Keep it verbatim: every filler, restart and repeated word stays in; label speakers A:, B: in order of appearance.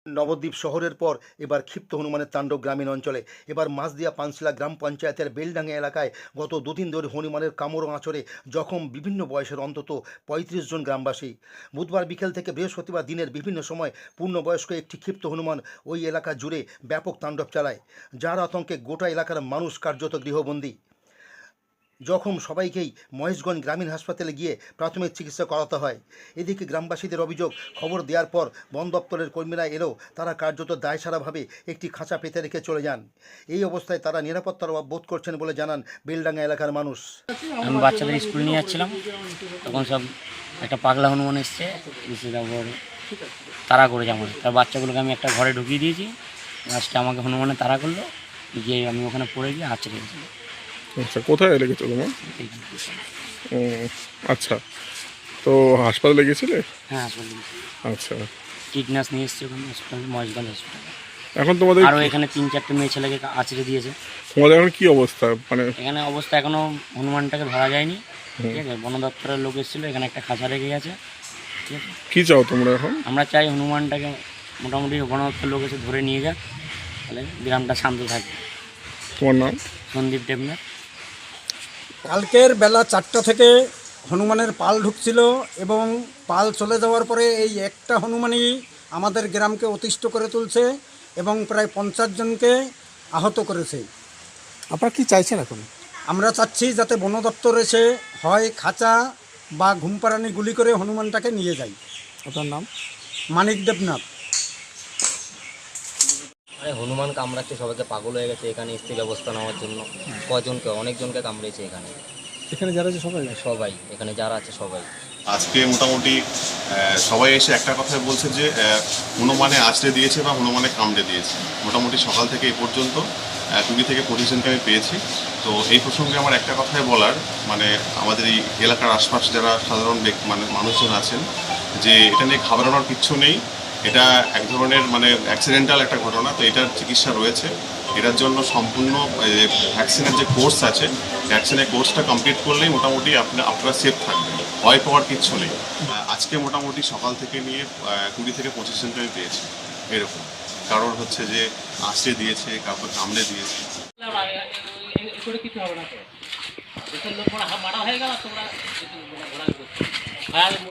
A: নবদ্বীপ শহরের পর এবার ক্ষিপ্ত হনুমানের তাণ্ডব গ্রামীণ অঞ্চলে। এবার মাছদিয়া পানশিলা গ্রাম পঞ্চায়েতের বেলডাঙ্গা এলাকায় গত দুদিন ধরে হনুমানের কামড় আঁচড়ে জখম বিভিন্ন বয়সের অন্তত পঁয়ত্রিশ জন গ্রামবাসী। বুধবার বিকেল থেকে বৃহস্পতিবার দিনের বিভিন্ন সময় পূর্ণবয়স্ক একটি ক্ষিপ্ত হনুমান ওই এলাকা জুড়ে ব্যাপক তাণ্ডব চালায়, যার আতঙ্কে গোটা এলাকার মানুষ কার্যত গৃহবন্দী। জখম সবাইকেই মহেশগঞ্জ গ্রামীণ হাসপাতালে গিয়ে প্রাথমিক চিকিৎসা করাতে হয়। এদিকে গ্রামবাসীদের অভিযোগ, খবর দেওয়ার পর বন দপ্তরের কর্মীরা এলেও তারা কার্যত দায়সারাভাবে একটি খাঁচা পেতে রেখে চলে যান। এই অবস্থায় তারা নিরাপত্তার অভাব বোধ করছেন বলে জানান বেলডাঙ্গা এলাকার মানুষ।
B: আমি বাচ্চাদের স্কুল নিয়ে যাচ্ছিলাম, তখন সব একটা পাগলা হনুমান এসছে, তারপর তাড়া করেছে আমাকে। তার বাচ্চাগুলোকে আমি একটা ঘরে ঢুকিয়ে দিয়েছি, লাস্টে আমাকে হনুমানে তাড়া করলো, গিয়ে আমি ওখানে পড়ে গিয়ে আছড়ে গেছি।
C: আচ্ছা, কোথায় লেগেছো তোমার? ও আচ্ছা, তো হাসপাতালে গেছিলে?
B: হ্যাঁ, হাসপাতালে।
C: আচ্ছা,
B: টিটনাস নিয়ে এসছি ওখানে হসপিটাল, মহেশগঞ্জ হসপিটালে।
C: এখন তোমাদের
B: আরও এখানে তিন চারটে মেয়ে ছেলেকে আছড়ে দিয়েছে।
C: তোমাদের এখন কি অবস্থা? মানে
B: এখানে অবস্থা এখনও হনুমানটাকে ধরা যায়নি, ঠিক আছে। বন দপ্তরের লোক এসেছিলো, এখানে একটা খাঁচা রেখে গেছে, ঠিক আছে।
C: কি চাও তোমরা এখন?
B: আমরা চাই হনুমানটাকে মোটামুটি বন দপ্তরের লোক এসে ধরে নিয়ে যাক, তাহলে গ্রামটা শান্ত থাকবে।
C: তোমার নাম?
B: সন্দীপ দেবনাথ।
D: কালকের বেলা চারটা থেকে হনুমানের পাল ঢুকছিল এবং পাল চলে যাওয়ার পরে এই একটা হনুমানই আমাদের গ্রামকে অতিষ্ঠ করে তুলছে এবং প্রায় পঞ্চাশ জনকে আহত করেছে।
E: আপনারা কি চাইছেন এখন?
D: আমরা চাচ্ছি যাতে বন দপ্তর এসে হয় খাঁচা বা ঘুমপাড়ানি গুলি করে হনুমানটাকে নিয়ে যায়।
E: আপনার নাম?
D: মানিক দেবনাথ।
F: আরে হনুমান কামড়াচ্ছে, সবাইকে পাগল হয়ে গেছে এখানে এসছে ব্যবস্থা নেওয়ার জন্য। কজনকে, অনেকজনকে কামড়েছে এখানে।
E: এখানে যারা আছে সবাই?
F: সবাই এখানে যারা আছে সবাই।
G: আজকে মোটামুটি সবাই এসে একটা কথাই বলছে যে হনুমানে আছড়ে দিয়েছে বা হনুমানে কামড়ে দিয়েছে। মোটামুটি সকাল থেকে এই পর্যন্ত কুড়ি থেকে পঁচিশ জনকে আমি পেয়েছি। তো এই প্রসঙ্গে আমার একটা কথাই বলার, মানে আমাদের এই এলাকার আশপাশ যারা সাধারণ মানে মানুষজন আছেন, যে এটা নিয়ে ঘাবড়ানোর কিচ্ছু নেই। এটা এক ধরনের মানে অ্যাক্সিডেন্টাল একটা ঘটনা, তো এটার চিকিৎসা রয়েছে। এটার জন্য সম্পূর্ণ ভ্যাকসিনের যে কোর্স আছে, ভ্যাকসিনের কোর্সটা কমপ্লিট করলেই মোটামুটি আপনি আপনারা সেফ থাকবেন, ভয় পাওয়ার কিচ্ছু নেই। আজকে মোটামুটি সকাল থেকে নিয়ে কুড়ি থেকে পঁচিশ জনকে আমি পেয়েছি এরকম। কারোর হচ্ছে যে আঁচড়ে দিয়েছে, কাউকে কামড়ে দিয়েছে।